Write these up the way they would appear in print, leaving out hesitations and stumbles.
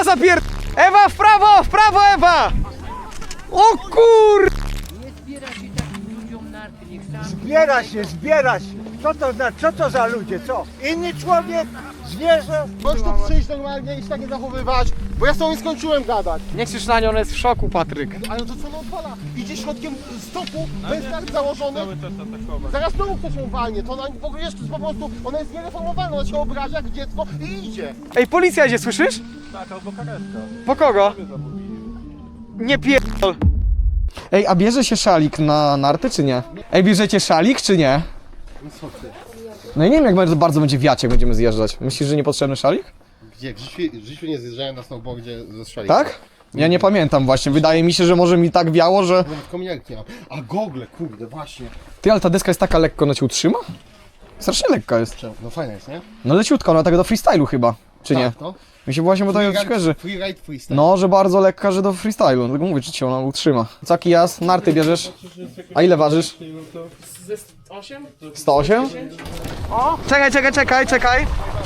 prawo zapier... Ewa, w prawo Ewa! O kur... Zbiera się. Co to znaczy? Co to za ludzie? Co? Inny człowiek? Zwierzę? Możesz tu przyjść normalnie i się tak nie zachowywać, bo ja z tobą nie skończyłem gadać. Nie krzycz na nią, ona jest w szoku, Patryk. Ale to co ona odpala? Idzie środkiem stopu, bez tak założony. Zaraz znowu ktoś ją walnie, to ona w ogóle jeszcze po prostu, ona jest niereformowana, ona się obraża jak dziecko i idzie. Ej, policja idzie, słyszysz? Tak, albo karetka. Po kogo? Nie pierdol. Ej, a bierze się szalik na narty, czy nie? Ej, bierzecie szalik, czy nie? No i nie wiem, jak bardzo będzie wiać, jak będziemy zjeżdżać. Myślisz, że niepotrzebny szalik? Gdzie? W życiu nie zjeżdżałem na snowboardzie ze szalikiem. Tak? Ja nie pamiętam właśnie. Wydaje mi się, że może mi tak wiało, że... Nawet kominiarki nie mam. A gogle, kurde, właśnie. Ty, ale ta deska jest taka lekko, ona cię utrzyma? Strasznie lekka jest. No fajna jest, nie? No leciutka, ona tak do freestylu chyba, czy nie? Tak, no. Mi się właśnie wydaje, że... Freeride, freestyle. No, że bardzo lekka, że do freestylu. Dlatego mówię, czy cię ona utrzyma. Caki jas, narty bierzesz? A ile ważysz? 8? 108? O! Czekaj.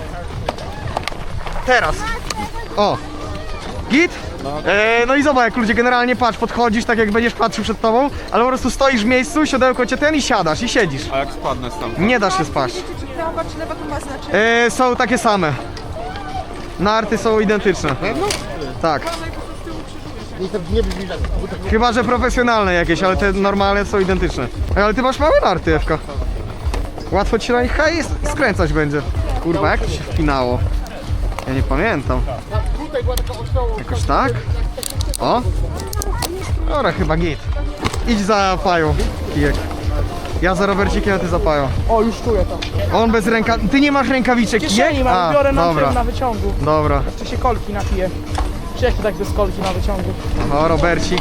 Teraz. O! Git? No i zobacz, jak ludzie generalnie patrz, podchodzisz tak jak będziesz patrzył przed tobą, ale po prostu stoisz w miejscu, siodełko cię ten i siadasz i siedzisz. A jak spadnę stamtąd? Nie dasz się spaść. Czy prawa czy lewa to ma znaczenie? Są takie same. Narty są identyczne. Tak. Nie brzmi tak. Chyba, że profesjonalne jakieś, ale te normalne są identyczne. Ale ty masz małe narty, Ewka. Łatwo ci się na nich skręcać będzie. Kurwa, jak to się wpinało? Ja nie pamiętam. Tutaj była taka ośmiałość. Jakoś tak? O! Dobra, chyba git. Idź za pają, kijek. Ja za Robercikiem, a ty za pają. O, już czuję to. On bez ręka... Ty nie masz rękawiczek, kijek? Kieszeni mam, biorę na dobra. tym na wyciągu. Dobra. Czy się kolki napiję? Czy jak to tak bez kolki na wyciągu? O, Robercik.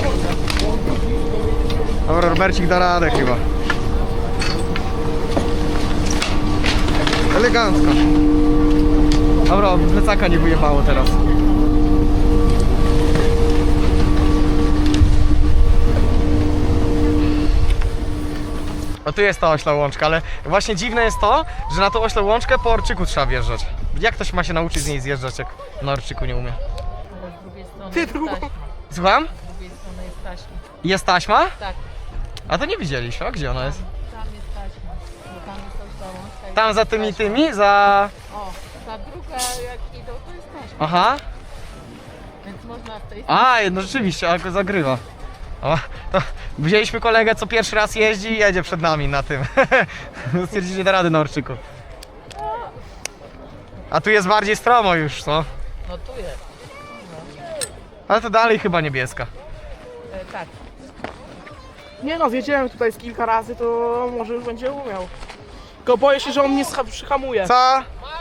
Dobra, Robercik da radę chyba. Elegancko. Dobra, plecaka nie wyjebało teraz. No tu jest ta ośla łączka, ale właśnie dziwne jest to, że na tą oślą łączkę po orczyku trzeba wjeżdżać. Jak ktoś ma się nauczyć z niej zjeżdżać, jak na orczyku nie umie? Z drugiej strony Ty jest drugą. taśma. Słucham? Z drugiej strony jest taśma. Jest taśma? Tak, A to nie widzieliśmy, a gdzie ona jest? tam jest taśma. Bo tam jest ta łączka i Tam za taśma. tymi, za... O, ta druga jak idą to jest taśma. Aha. Więc można w tej No rzeczywiście, ale go zagrywa. O, to wzięliśmy kolegę, co pierwszy raz jeździ i jedzie przed nami na tym. Stwierdzili, że da rady na orczyku. A tu jest bardziej stromo już, co? No tu jest. Ale to dalej chyba niebieska. Tak. Nie no, zjedziemy tutaj z kilka razy, to może już będzie umiał. Tylko boję się, że on mnie przyhamuje. Co?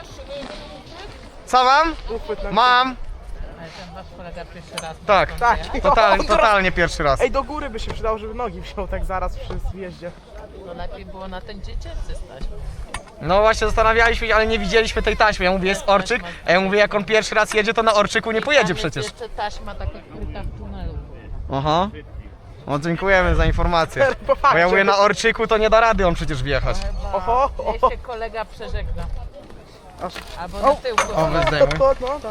Co mam? Uchwyt na Mam. Ale ten wasz kolega pierwszy raz. Tak, Tak. totalnie pierwszy raz. Ej, do góry by się przydało, żeby nogi wziął tak zaraz przy zjeździe. No lepiej było na ten dziecięcy stać. No właśnie zastanawialiśmy się, ale nie widzieliśmy tej taśmy. Ja mówię, jest orczyk, a ja mówię, jak on pierwszy raz jedzie, to na orczyku nie pojedzie przecież. Jeszcze taśma taka kryta w tunelu. Aha. No dziękujemy za informację. Bo ja mówię, na orczyku to nie da rady on przecież wjechać. Oho, Niech się kolega przeżegna. Albo na tył. O, weź zdejmuj. No, tak.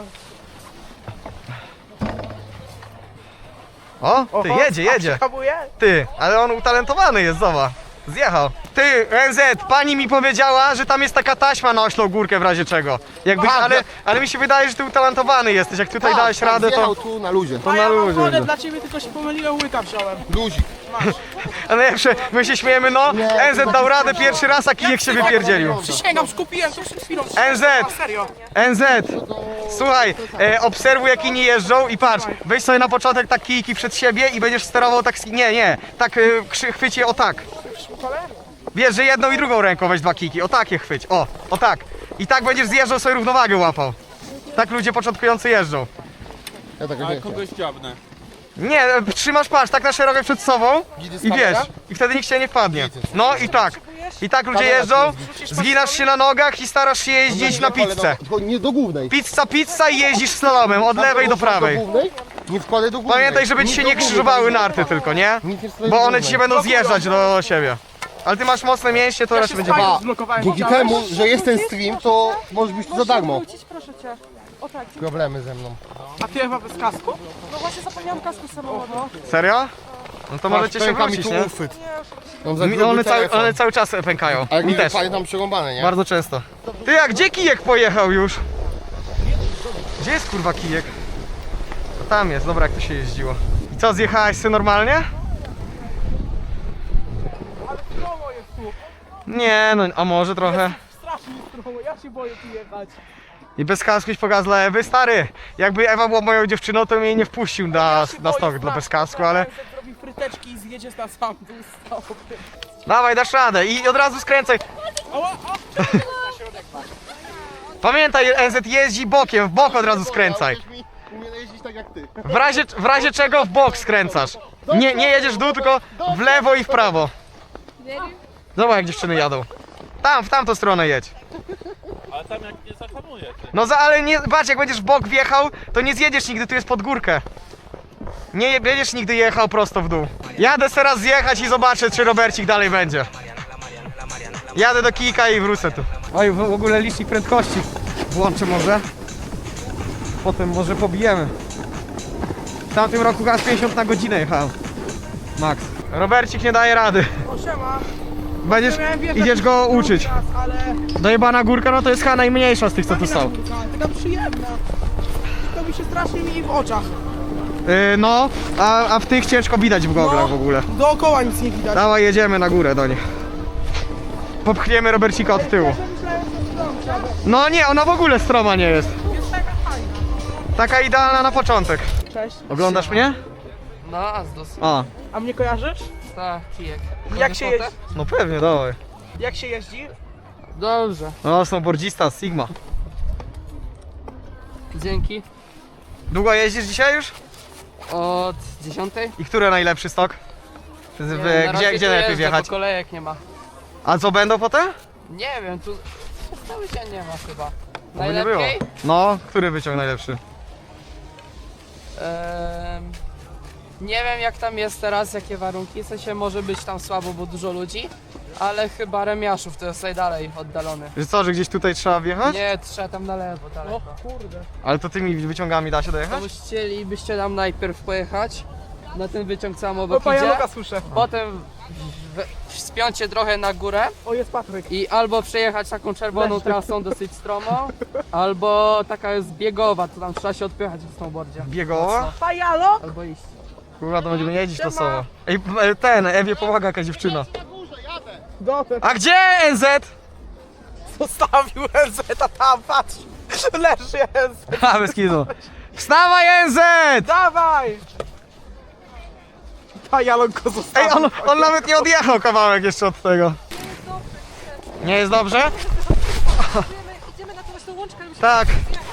O, ty, Oho, jedzie. Przyhamuje? Ty, ale on utalentowany jest, zobacz. Zjechał. Ty, NZ, pani mi powiedziała, że tam jest taka taśma na oślą górkę w razie czego. Jakby, ale mi się wydaje, że ty utalentowany jesteś. Jak tutaj dałeś radę, to... Zjechał tu na luzie. To A na ja mam luzie. wodę no. dla ciebie, tylko się pomyliłem, łyka wziąłem. Luzik. A najlepsze, my się śmiejemy, no. NZ dał radę pierwszy raz, a kijek się wypierdzielił. Przysięgam, skupiłem to przed chwilą. NZ! A, serio. NZ! Słuchaj, obserwuj jak inni jeżdżą i patrz, weź sobie na początek tak kijki przed siebie i będziesz sterował tak, nie, tak chwyć je o tak. Wiesz, że jedną i drugą ręką weź dwa kijki, o tak je chwyć, o tak. I tak będziesz zjeżdżał, sobie równowagę łapał. Tak ludzie początkujący jeżdżą. Ja tak Ale nie chcę. kogoś dziabnę. Nie, trzymasz patrz tak na szeroko przed sobą i wiesz, i wtedy nikt się nie wpadnie. No i tak. I tak ludzie jeżdżą, zginasz się na nogach i starasz się jeździć na pizzę. Tylko nie do głównej. Pizza i jeździsz slalomem od lewej do prawej. Do głównej? Nie wkładaj do głównej. Pamiętaj, żeby ci się nie krzyżowały narty tylko, nie? Bo one ci się będą zjeżdżać do siebie. Ale ty masz mocne mięśnie, to raczej będzie... Fajnie zblokowałem. Dzięki temu, że jest ten stream, to możesz być tu za darmo. Proszę cię. problemy ze mną. A ty Ewa bez kasku? No właśnie zapomniałam kasku z samochodu. Serio? No to możecie się Pęka mi wrócić, tu nie? uchwyt. Mam za gruby One telefon. cały czas pękają. A jak Mi mi też. pamiętam przerąbane, nie? Bardzo często. Ty, a gdzie kijek pojechał już? Gdzie jest kurwa kijek? To tam jest, dobra, jak to się jeździło. I co, zjechałeś ty normalnie? Stromo jest tu. Nie, no, a może trochę. Strasznie stromo, ja się boję tu jechać. I bez kasku iść pokaz dla Ewy, stary. Jakby Ewa była moją dziewczyną, to mnie jej nie wpuścił na stok dla bez kasku, ale... Zrobi fryteczki i zjedzie na sam dół stop. Dawaj, dasz radę i od razu skręcaj. Pamiętaj, NZ jeździ bokiem, w bok od razu skręcaj. Umiem jeździć tak jak ty. W razie czego w bok skręcasz. Nie jedziesz w dół, tylko w lewo i w prawo. Zobacz jak dziewczyny jadą. Tam, w tamtą stronę jedź. Ale tam jak nie zahamuje. No ale nie, patrz, jak będziesz w bok wjechał, to nie zjedziesz nigdy, tu jest pod górkę. Nie będziesz nigdy jechał prosto w dół. Jadę teraz zjechać i zobaczę, czy Robercik dalej będzie. Jadę do kijka i wrócę tu. Oj, w ogóle licznik prędkości włączę może. Potem może pobijemy. W tamtym roku aż 50 na godzinę jechałem. Max. Robercik nie daje rady. O, siema. Będziesz, Miałem wjechać idziesz go drugi uczyć. raz, ale... Dojebana górka, no to jest chyba najmniejsza z tych, co tu są. Taka przyjemna. To mi się strasznie mieli w oczach. No, a w tych ciężko widać w goglach w ogóle. Dookoła nic nie widać. Dawaj, jedziemy na górę do nich. Popchniemy Robercika od tyłu. Myślałem, że to dobrze. No nie, ona w ogóle stroma nie jest. Jest taka fajna. Taka idealna na początek. Cześć. Oglądasz mnie? No, Azdos. A, A mnie kojarzysz? Tak, kijek. Jak się jeździ? no pewnie, dawaj. Jak się jeździ? Dobrze. No, snowboardzista z Sigma. Dzięki. Długo jeździsz dzisiaj już? Od 10? I który najlepszy stok? Gdzie lepiej wjechać? Bo kolejek nie ma. A co będą potem? Nie wiem, tu cały dzień nie ma chyba. Oby nie było. Najlepiej? No, który wyciąg najlepszy? Nie wiem jak tam jest teraz, jakie warunki, w sensie może być tam słabo, bo dużo ludzi, ale chyba Remiaszów to jest najdalej oddalony. Że co, że gdzieś tutaj trzeba wjechać? Nie, trzeba tam na lewo daleko. O kurde. Ale to tymi wyciągami da się To dojechać? chcielibyście tam najpierw pojechać na ten wyciąg co O, obok idzie, pajanoka słyszę. potem wspiąć się trochę na górę O, jest Patryk. i albo przejechać taką czerwoną trasą dosyć stromą, albo taka jest biegowa, to tam trzeba się odpychać w snowboardzie. Biegowa? Pajalo? Albo iść. Kurwa, to będziemy jeździć losowo. Ej, Ewie pomaga jakaś dziewczyna. Na górze, jadę. Dotem. A gdzie NZ? Zostawił NZ, a tam patrz. Leży NZ. A, bez kitu. Wstawaj NZ! Dawaj! Pajalon go Ej, zostawił. on nawet nie odjechał kawałek jeszcze od tego. Nie jest dobrze? Idziemy na tą właśnie łączkę, ale musimy Tak.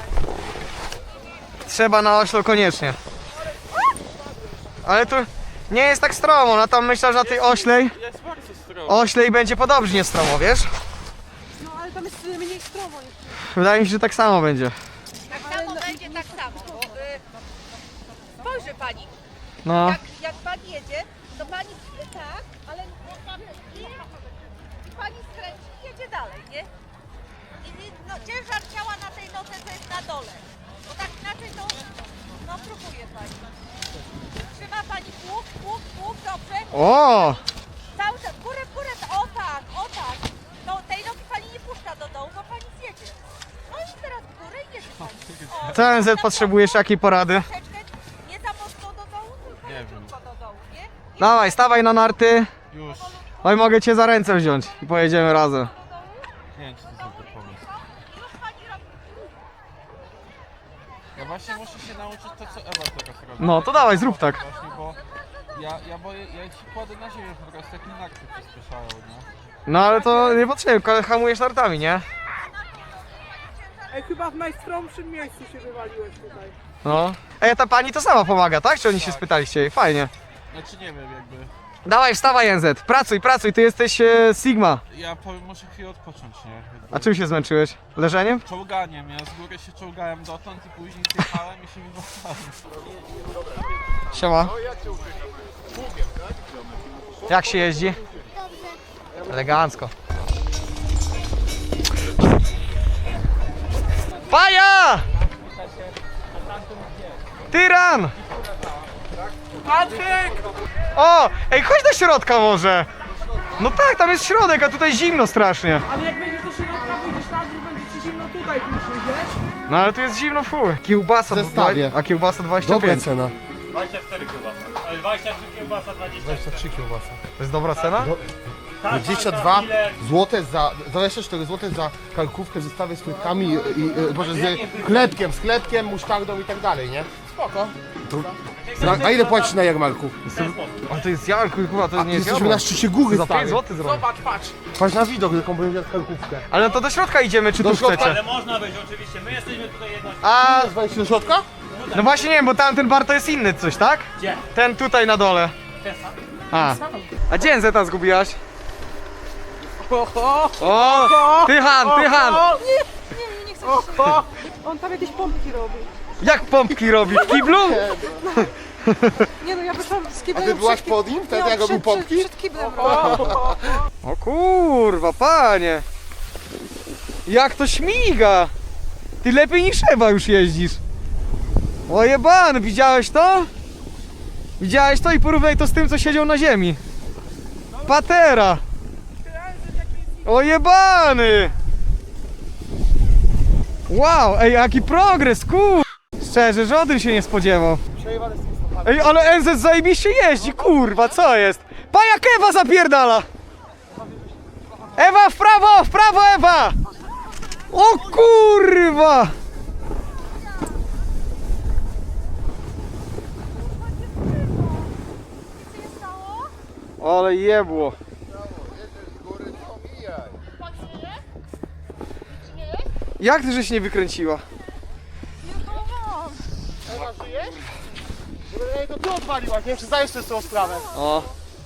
Trzeba na oślo koniecznie. Ale tu nie jest tak stromo, no tam myślę, że na tej oślej Jest bardzo stromo. oślej będzie podobnie stromo, wiesz? No ale tam jest mniej stromo jeszcze. Wydaje mi się, że tak samo będzie. Tak samo będzie tak samo. Spojrzy pani, No. jak pani jedzie, to pani tak, ale i pani skręci i jedzie dalej, nie? No, ciężar ciała na tej nodze to jest na dole. Bo tak inaczej to, no próbuje pani. Trzyma pani pług, dobrze. O! Cały czas, w górę, o tak. No tej nogi pani nie puszcza do dołu, bo pani zjedzie. No i teraz w górę i jedzie pani. O, Co NZ potrzebujesz? Jakiej porady? troszeczkę nie za mocno do dołu, tylko leciutko do dołu, nie? Dawaj, stawaj na narty. Już. Oj, mogę cię za ręce wziąć i pojedziemy razem. Nie wiem, czy to jest dobry pomysł. Już pani robi. Ja właśnie muszę się nauczyć to, co Ewa teraz robi. No to dawaj, zrób tak. Właśnie, bo ja boję, ja się kładę na ziemię po prostu, jak mi narty przyspieszają, nie? No ale to nie potrzebne, hamujesz nartami, nie? Ej, chyba w najstromszym miejscu się wywaliłeś tutaj. No. Ej, ta pani to sama pomaga, tak? Czy oni się spytaliście jej? Fajnie. Znaczy nie wiem, jakby... Dawaj, wstawaj NZ, pracuj, ty jesteś Sigma. Ja powiem, muszę chwilę odpocząć, nie? Jakby A czym się zmęczyłeś? Leżeniem? Czołganiem, ja z góry się czołgałem dotąd i później zjechałem i się wywalałem. Siema. Jak się jeździ? Elegancko. Paja! Tyran! Patryk! O! Ej, chodź do środka może! No tak, tam jest środek, a tutaj zimno strasznie. Ale jak będziesz do środka, wyjdziesz na dół, będzie ci zimno tutaj później, wiesz? No ale tu jest zimno, fuj. Kiełbasa, Zestawie. a kiełbasa Dobra 25. cena. 24 kiełbasa. 23 kiełbasa, 23 kiełbasa. To jest dobra cena? 22 zł za 24 zł za karkówkę w zestawie z frytkami i może z chlebkiem, musztardą i tak dalej, nie? Spoko. A ile płacisz na jarmarku? A to jest jarku, chyba to nie jest Jesteśmy na szczycie góry, Za 5 stary. zł zrobię. Zobacz, patrz. Patrz na widok, jaką będę miał karkówkę. Ale no to do środka idziemy, czy Do tu środka? chcecie? Ale można być oczywiście, my jesteśmy tutaj jedno. A, Wejść do środka? no właśnie nie wiem, bo tamten bar to jest inny coś, tak? Gdzie? Ten tutaj na dole. A gdzie NZ zgubiłaś? Oho! O! Tychan! Nie chcę. On tam jakieś pompki robi. Jak pompki robi? W kiblu? Nie no, ja wyszłam z A kiblem. ty byłaś przed pod nim? Wtedy jak robił pompki? Przed kiblem. O kurwa, panie! Jak to śmiga! Ty lepiej niż Ewa już jeździsz. O jeban, widziałeś to? Widziałeś to i porównaj to z tym, co siedział na ziemi. Patera! O jebany! Wow, ej, jaki progres, kur... Szczerze, żaden się nie spodziewał. Ej, ale NZ zajebiście jeździ, kurwa, co jest? Pa jak Ewa zapierdala! Ewa, w prawo, Ewa! O kurwa! Ale jebło. Jak ty żeś nie wykręciła? Ewa, żyjesz? Ej, to ty odwaliłaś, nie? Czy zdajesz sobie z tą sprawę? O.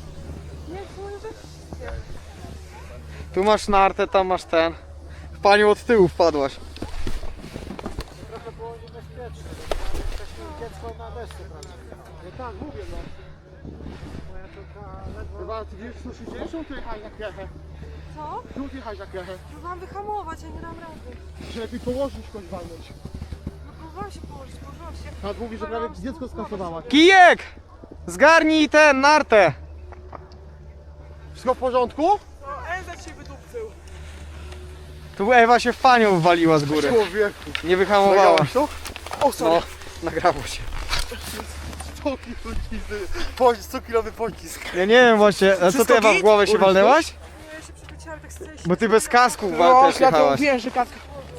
Tu masz nartę, tam masz ten. W panią od tyłu wpadłaś. Trochę było niebezpieczne. Dziecko na desce, prawda? No tak, mówię, no. Moja córka ledwo... Chyba ty wiesz, co się dzieje? Czemu ty jechałeś na krechę? Co? Czemu ty jechałeś na krechę? Próbowałam wyhamować, ja nie dam rady. Się lepiej położyć, kogoś walnąć. No próbowałam się położyć, położyłam się. Nad mówi, że prawie dziecko skasowałaś. Kijek! Zgarnij ten nartę! Wszystko w porządku? No, NZ się wydupcył. Tu Ewa się w panią wwaliła z góry. Człowieku. Nie wyhamowała. Nagrałaś to? O, sorry. No, nagrało się. 100 kilowy pocisk. Ja nie wiem właśnie, a co ty Ewa w głowę się walnęłaś? Ja się przechwyciłam tak z tej Bo ty bez kasku No, też ja to jechałaś. mówiłem, że katka.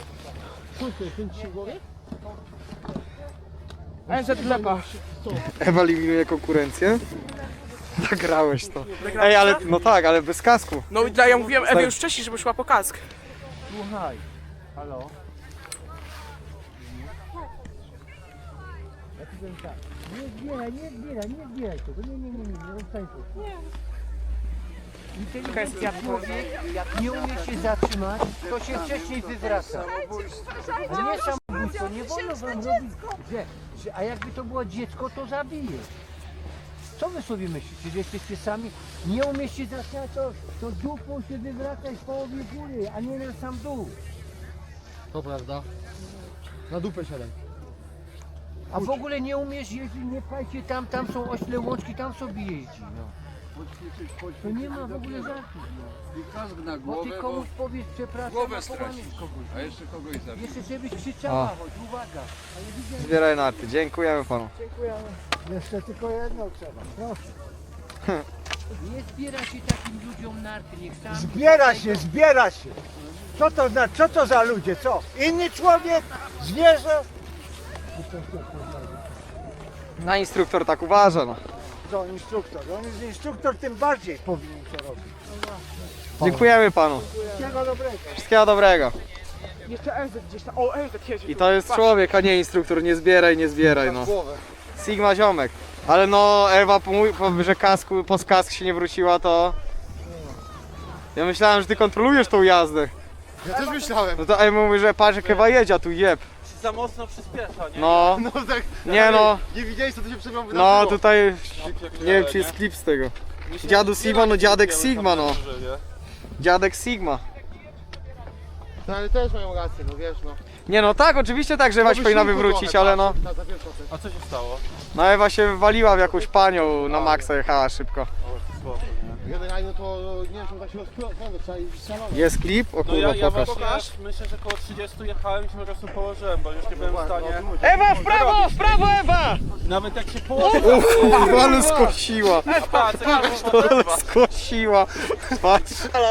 NZ lepa. Ewa eliminuje konkurencję? Nagrałeś to. Ej, ale no tak, ale bez kasku. No i ja mówiłem Ewie już wcześniej, żeby szła po kask. Słuchaj, halo? Ja ci powiem tak, nie zbieraj tego, nie rozstań tu. Inteligentny człowiek, jak nie umie się zatrzymać, to się wcześniej wywraca. To nie samobójstwo, nie wolno wam robić, a jakby to było dziecko, to zabije. Co wy sobie myślicie, że jesteście sami? Nie umiesz się zatrzymać, to dupą się wywracać w połowie góry, a nie na sam dół. To prawda. Na dupę siadaj. A w ogóle nie umiesz jeździć, nie pchajcie tam są ośle łączki, tam sobie jeździ, no. To nie ma w ogóle żartów, no. Bo ty komuś powiesz, przepraszam, głowę stracisz kogoś. A jeszcze kogoś zabić. Jeszcze żebyś krzyczała, choć uwaga. Zbieraj narty, dziękujemy panu. Jeszcze tylko jedno trzeba, proszę. Nie zbiera się takim ludziom narty, niech sam... Zbiera się. Co to znaczy? Co to za ludzie? Co? Inny człowiek? Zwierzę? Na instruktor tak uważa, no. To instruktor. On jest instruktor, tym bardziej powinien to robić. Dziękujemy panu. Wszystkiego dobrego. Wszystkiego dobrego. Jeszcze NZ gdzieś tam. O, NZ jedzie. I to jest człowiek, a nie instruktor. Nie zbieraj, no. Głowę. Sigma ziomek. Ale no, Ewa, że po kask się nie wróciła, to... Ja myślałem, że ty kontrolujesz tą jazdę. Ja też myślałem. No to Ewa mówi, że patrz jak Ewa jedzie, a tu jeb. Za mocno przyspiesza, nie? No, No tak. nie no. Nie widziałeś, co tu się przed chwilą No wydarzyło. tutaj, nie wiem czy jest klip z tego. Dziadu Sigma, no dziadek Sigma, no. Dziadek Sigma. No ale też mają rację, no wiesz, no. Nie no tak, oczywiście tak, że Ewa się powinna wywrócić, ale no... A co się stało? No Ewa się wywaliła w jakąś panią, na maksa jechała szybko. Generalnie to nie wiem, czy tak się rozpłynąć, trzeba iść szalone. Jest klip? O No kurwa, ja pokaż. właśnie myślę, że około 30 jechałem i się po prostu położyłem, bo już nie byłem w stanie. Ewa, w prawo, Ewa! Nawet jak się położyłem. Ale skosiła. Ale skosiła. Patrz.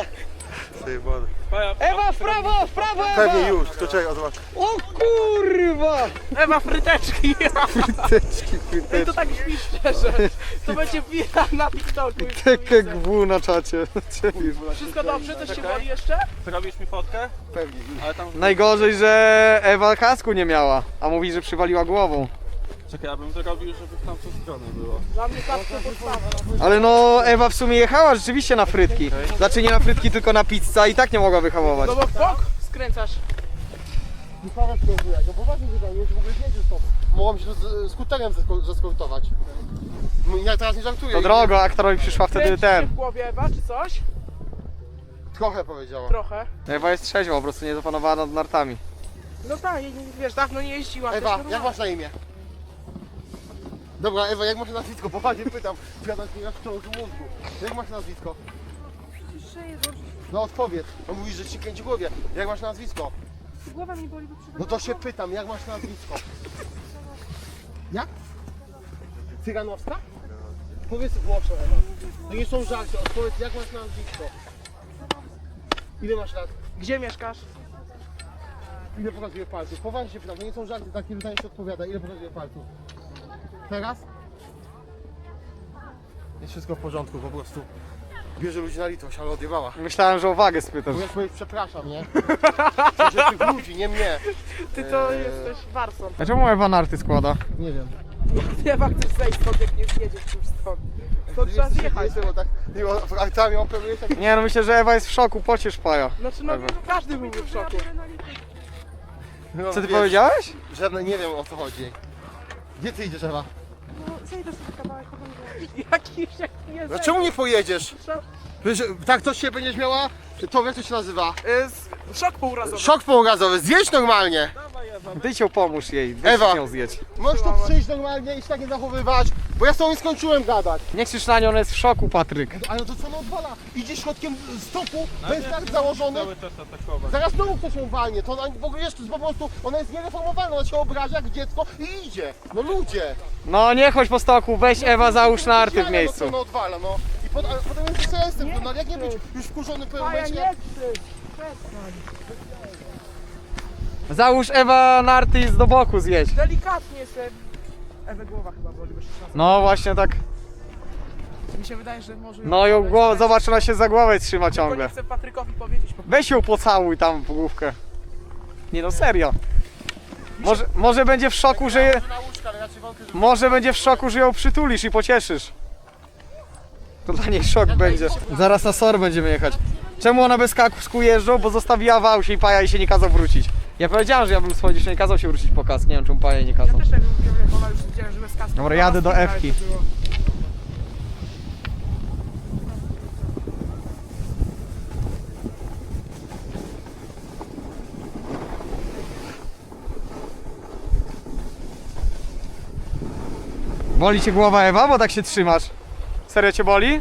Ewa, w prawo, Ewa! Pewnie już, to czekaj, zobacz. O kurwa! Ewa, fryteczki! Fryteczki, I to fryteczki. tak brzmi szczerze. To będzie wira na TikToku. już to Takie widzę. gwu na czacie. Wszystko dobrze? Coś się boli jeszcze? Zrobisz mi fotkę? Pewnie. Ale tam... Najgorzej, że Ewa kasku nie miała, a mówi, że przywaliła głową. Czekaj, ja bym zrobił, żeby w tamtą stronę było. Dla mnie kaskę podstawa. Ale no Ewa w sumie jechała rzeczywiście na frytki. Znaczy nie na frytki, tylko na pizzę i tak nie mogła wyhamować. No bo w bok skręcasz. Michałek próbuje, no poważnie wydaje mi się, że w ogóle nie jedziesz stąd. Mogłam się skuterem zeskortować. No, ja teraz nie żartuję. To drogo, aktorowi przyszła wtedy Kręci się ten. w głowie Ewa, czy coś? Trochę powiedziała. Trochę. Ewa jest trzeźwa, po prostu nie zapanowana nad nartami. No tak, wiesz, dawno nie jeździła. to Ewa, jest jak normalne. masz na imię? Dobra, Ewa, jak masz nazwisko? Poważnie pytam. Przyjadam ci na wciąż mózgu. Jak masz nazwisko? No odpowiedz. No mówisz, że ci kręci w głowie. Jak masz nazwisko? Głowa mi boli, bo przychodzi. No to się pytam, jak masz nazwisko? Jak? Cyganowska? Powiedz głośno, Ewa. To nie są żarty, odpowiedz, jak masz nazwisko? Ile masz lat? Gdzie mieszkasz? Ile pokazuje palców? Poważnie się pytam, to nie są żarty, takie pytanie się odpowiada. Ile pokazuje palców? Teraz? Jest wszystko w porządku, po prostu. Bierze ludzi na litość, ale odjebała. Myślałem, że o wagę spytasz. Mówiąc powiedzieć, przepraszam, nie? Że tych ludzi, nie mnie. Ty to jesteś warsą. A czemu Ewa narty składa? Nie wiem. Ewa, chcesz zejść stąd, jak nie zjedziesz już stąd. Stąd trzeba zjechać. Jestem, bo tak aktami operujesz, tak Nie no, myślę, że Ewa jest w szoku, pociesz paja. Znaczy, no Ewa. każdy byłby w szoku. no, Co ty wiesz, powiedziałeś? Żadne, nie wiem o co chodzi. Gdzie ty idziesz, Ewa? No, zejdę sobie kawałek, Jaki nie No czemu nie pojedziesz? Wiesz, tak to się będziesz miała, to jak to się nazywa? Szok półrazowy. Szok pourazowy, zjedź normalnie! Ty się pomóż jej, Ewa. weź ją zjedź. Możesz tu przyjść normalnie i się tak nie zachowywać, bo ja z tobą nie skończyłem gadać. Nie krzycz na nią, ona jest w szoku, Patryk. Ale to co ona odwala? Idzie środkiem stopu, bez tak założony. Cały czas atakować. Zaraz znowu ktoś ją walnie, to ona w ogóle jeszcze po prostu, ona jest niereformowana, ona się obraża jak dziecko i idzie. No ludzie! No nie chodź po stoku, weź Ewa, załóż narty w No miejscu. co ona odwala, no. I ale potem jest sensem, no jak nie być już wkurzony po Maja, momencie. nie krzycz. Załóż Ewa narty i do boku zjedź. Delikatnie sobie. Ewe głowa chyba boli, bo się czasem. No właśnie tak. Mi się wydaje, że może... No ją głowę, zobacz, ona się za głowę trzyma Tylko nie ciągle. chcę Patrykowi powiedzieć. Weź ją pocałuj tam w główkę. Nie no, serio. Może będzie w szoku, że może będzie w szoku, że ją przytulisz i pocieszysz. To dla niej szok będzie. Zaraz na SOR będziemy jechać. Czemu ona bez kasku jeżdżą? Bo zostawiła w aucie i paja jej się nie kazał wrócić. Ja powiedziałem, że ja bym schodził, że nie kazał się wrócić po kask. Nie wiem, czemu paja jej nie kazał. Też tak mówiłem, jak ona już widziałem, że bez kasku. Dobra, jadę do Ewki. Było. Boli cię głowa, Ewa, bo tak się trzymasz? Serio cię boli?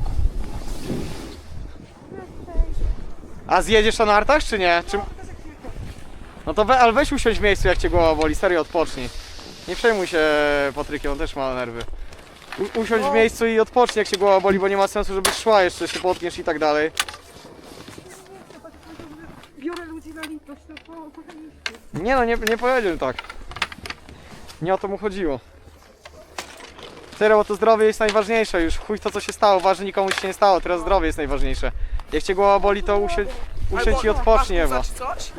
A zjedziesz na nartach, czy nie? Czy... No to ale weź usiądź w miejscu, jak cię głowa boli, serio odpocznij. Nie przejmuj się Patrykiem, on też ma nerwy. Usiądź w miejscu i odpocznij, jak cię głowa boli, bo nie ma sensu, żebyś szła jeszcze, się potkniesz i tak dalej. Biorę ludzi na litość, to po Nie no, nie powiedział tak. Nie o to mu chodziło. Serio, bo to zdrowie jest najważniejsze już. Chuj to, co się stało, ważne, nikomu się nie stało, teraz zdrowie jest najważniejsze. Jak cię głowa boli, to usiądź i odpocznij, Ewa. Masz coś?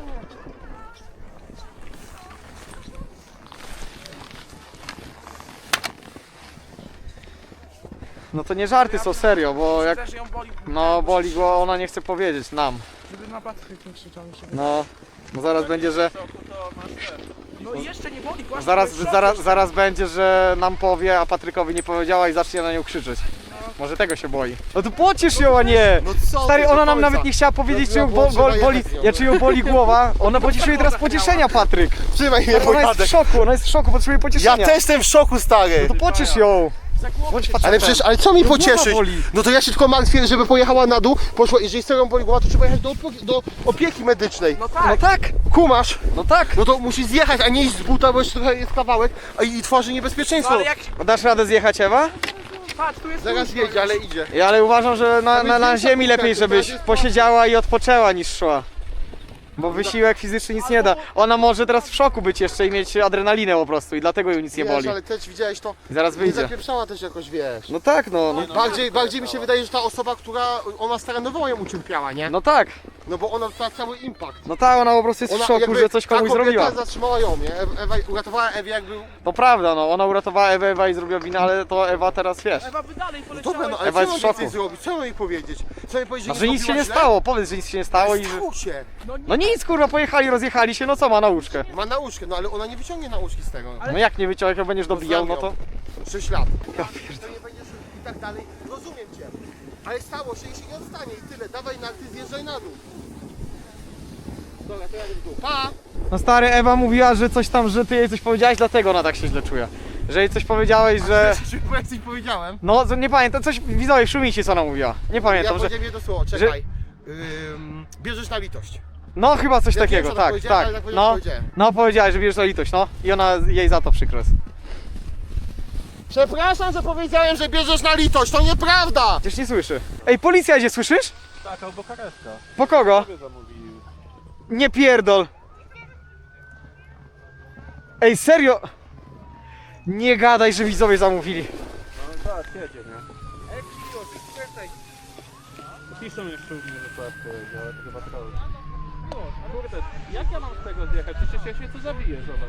No to nie żarty są, serio, bo jak... Też ją boli. No boli go, ona nie chce powiedzieć nam. Żeby na Patryk nie krzyczał mi się. No, bo zaraz będzie, że... No i jeszcze nie boli, właśnie. Zaraz, to jest zaraz będzie, że nam powie, a Patrykowi nie powiedziała i zacznie na nią krzyczeć. szok. Może tego się boi. No to pociesz ją, a nie! No co Stary, ty, ona do nam końca. nawet nie chciała powiedzieć, czy ją No, trzeba boli, jechać z nią. czy ją boli głowa. Ona potrzebuje teraz pocieszenia, Patryk. Trzymaj mnie, Ona jest w szoku, potrzebuje Ja pocieszenia. też jestem w szoku, stary. No to pociesz ją. Bądź facetem. Ale co mi No, pocieszyć? głowa boli. No to ja się tylko martwię, żeby pojechała na dół, poszła, jeżeli serio boli głowa, to trzeba jechać do opieki medycznej. No tak, Kumasz? no tak. No to musi zjechać, a nie iść z buta, bo jeszcze trochę jest kawałek, a i tworzy niebezpieczeństwo. Ale jak... Dasz radę zjechać, Ewa? Patrz, tu jest Zaraz jedzie, ale idzie. Ja, ale uważam, że na większa ziemi lepiej, kulka, żebyś to jest posiedziała i odpoczęła niż szła. Bo wysiłek fizyczny nic nie da. Ona może teraz w szoku być jeszcze i mieć adrenalinę po prostu i dlatego ją nic nie Wiesz, boli. ale też widziałeś to, I zaraz nie wyjdzie. zapieprzała też jakoś, wiesz. No tak, no. Bardziej mi się wydaje, że ta osoba, która ona staranowała ją ucierpiała, nie? No tak. No bo ona dostała cały impact. No tak, ona po prostu jest w szoku, że coś komuś ta kobieta zrobiła. zatrzymała ją, nie? Ewa uratowała Ewie jakby... To prawda, no. Ona uratowała Ewę, Ewa i zrobiła winę, ale to Ewa teraz wiesz. Ewa by dalej poleciała. Dobra, no ale Ewa co jest mam w więcej szoku. zrobić? Co mam jej powiedzieć? Co jej powiedzieć, Że nic się nie stało, powiedz, że nic się nie stało i że... Się. No nic, kurwa, pojechali, rozjechali się, no co ma nauczkę? Ma nauczkę, no ale ona nie wyciągnie nauczki z tego. No jak nie wyciąłek, jak będziesz dobijał, no to... 6 lat. Ja pierdolę. Nie będziesz i tak dalej. Rozumiem cię. Ale stało się i się nie odstanie i tyle. Dawaj na ty, zjeżdżaj na dół. Dobra, to ja w dół. Pa! No stary, Ewa mówiła, że coś tam, że ty jej coś powiedziałeś, dlatego ona tak się źle czuje. Że jej coś powiedziałeś, że... Bo jak coś powiedziałem. No, nie pamiętam, coś widzowie, szumicie co ona mówiła. Nie Ja pamiętam, że... powiedziałem jedno słowo, czekaj. Bierzesz na litość. No chyba coś Ja takiego, wiem, co ona tak, powiedziała, tak. ale tak No, powiedziałem. no powiedziałaś, że bierzesz na litość, no. I ona, jej za to przykro jest. Przepraszam, że powiedziałem, że bierzesz na litość. To nieprawda! Przecież nie słyszy. Ej, policja idzie, słyszysz? Tak, albo karetka. Po kogo? Sobie zamówił. Nie pierdol. Ej, serio? Nie gadaj, że widzowie zamówili. No tak, jedzie, nie? Piszą jeszcze u mnie, że płatkę jedzie, ale to chyba to. No, kurde, jak ja mam z tego zjechać? Przecież ja się tu zabiję, zobacz.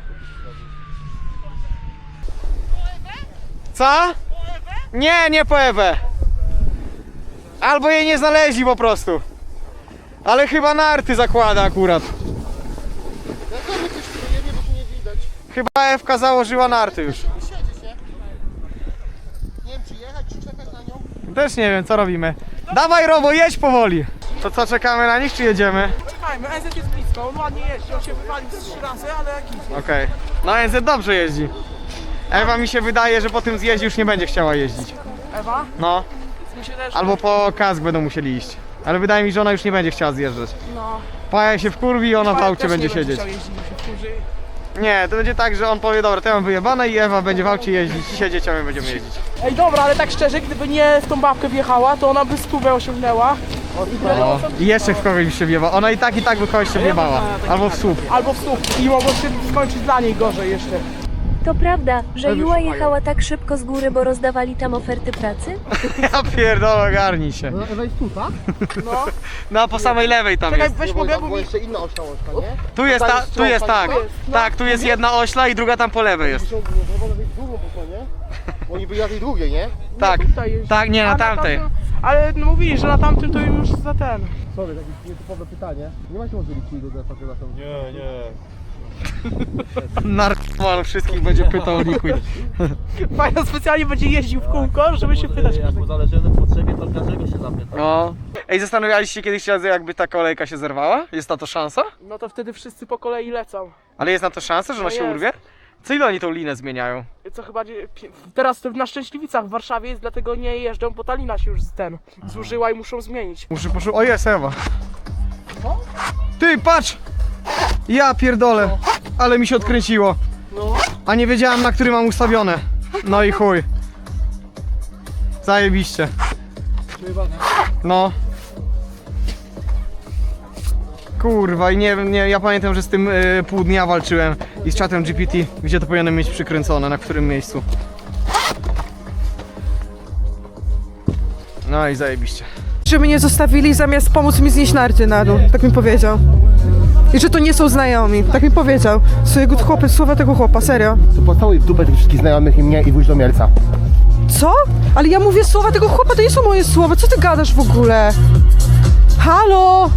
Co? Nie, nie po Ewę. Albo jej nie znaleźli po prostu. Ale chyba narty zakłada akurat. Ja tam coś nie bo tu nie widać. Chyba Ewka założyła narty już. Siedzi się. Nie wiem, czy jechać, czy czekać na nią. Też nie wiem, co robimy. Dawaj, Robo, jedź powoli. To co, czekamy na nich, czy jedziemy? Czekajmy, NZ jest blisko, on ładnie jeździ, on się wywalił 3 razy, ale jak idzie. Okej. No NZ dobrze jeździ. Ewa mi się wydaje, że po tym zjeździe już nie będzie chciała jeździć. Ewa? No. Mi się też... Albo po kask będą musieli iść. Ale wydaje mi się, że ona już nie będzie chciała zjeżdżać. No. Paja się wkurwi i ona w Paja aucie też będzie nie siedzieć. chciał jeździć, mi się wkurzy. Nie, to będzie tak, że on powie, dobra, to ja mam wyjebane i Ewa będzie w aucie jeździć, siedzieć, a my będziemy jeździć. Ej, dobra, ale tak szczerze, gdyby nie w tą babkę wjechała, to ona by stówę osiągnęła. No. I jeszcze w kogoś by się wjebała. Ona i tak by kogoś się wjebała. Albo w słup. Albo w słup. I mogło się skończyć dla niej gorzej jeszcze. To prawda, że Juła jechała tak szybko z góry, bo rozdawali tam oferty pracy? Ja pierdolę, ogarnij się. No Ewa jest tu, tak? No. No, po samej lewej tam Czekaj, jest. weź mogę, bo mi... jeszcze inna ośla łączka, nie? Tu jest, tu jest tak. No. Tak, tu jest jedna ośla i druga tam po lewej jest. Muszą być drugą po stronie. Oni byli na tej drugiej, nie? Tak, tutaj jeździ. tak, nie, na A tamtej. Ale no mówili, że na tamtym to już za ten. Sorry, takie nietypowe pytanie. Nie macie może liczyć do defa, chyba są. Nie, nie. Narkoman wszystkich będzie pytał o liquid. Fajno specjalnie będzie jeździł w kółko, żeby się pytać. Jak mu zależy na potrzebie, to każdego się zapyta. No. Ej, zastanawialiście się kiedyś razy, jakby ta kolejka się zerwała? Jest na to szansa? No to wtedy wszyscy po kolei lecą. Ale jest na to szansa, że ona No się jest. urwie? Co ile oni tą linę zmieniają? Co chyba teraz na Szczęśliwicach w Warszawie jest, dlatego nie jeżdżą, bo ta lina się już zużyła i muszą zmienić. Muszę o jest Ewa. Ty, patrz! Ja pierdolę, ale mi się odkręciło. A nie wiedziałem, na który mam ustawione. No i chuj. Zajebiście. No. Kurwa, i nie wiem, ja pamiętam, że z tym pół dnia walczyłem i z czatem GPT, gdzie to powinienem mieć przykręcone, na którym miejscu. No i zajebiście. Że mnie zostawili zamiast pomóc mi znieść narty na dół, tak mi powiedział. I że to nie są znajomi, tak mi powiedział. Słowa tego chłopa, serio. To pocałuj w dupę tych wszystkich znajomych i mnie i wróć do Mielca. Co? Ale ja mówię słowa tego chłopa, to nie są moje słowa, co ty gadasz w ogóle? Halo?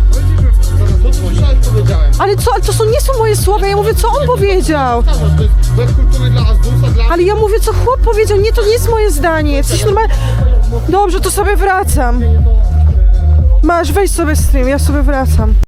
Ale co, ale to nie są moje słowa, ja mówię co on powiedział. Bez kultury dla Azdusa, dla... Ale ja mówię co chłop powiedział, nie, to nie jest moje zdanie. Jesteś normalny. Dobrze, to sobie wracam. Masz, weź sobie stream, ja sobie wracam.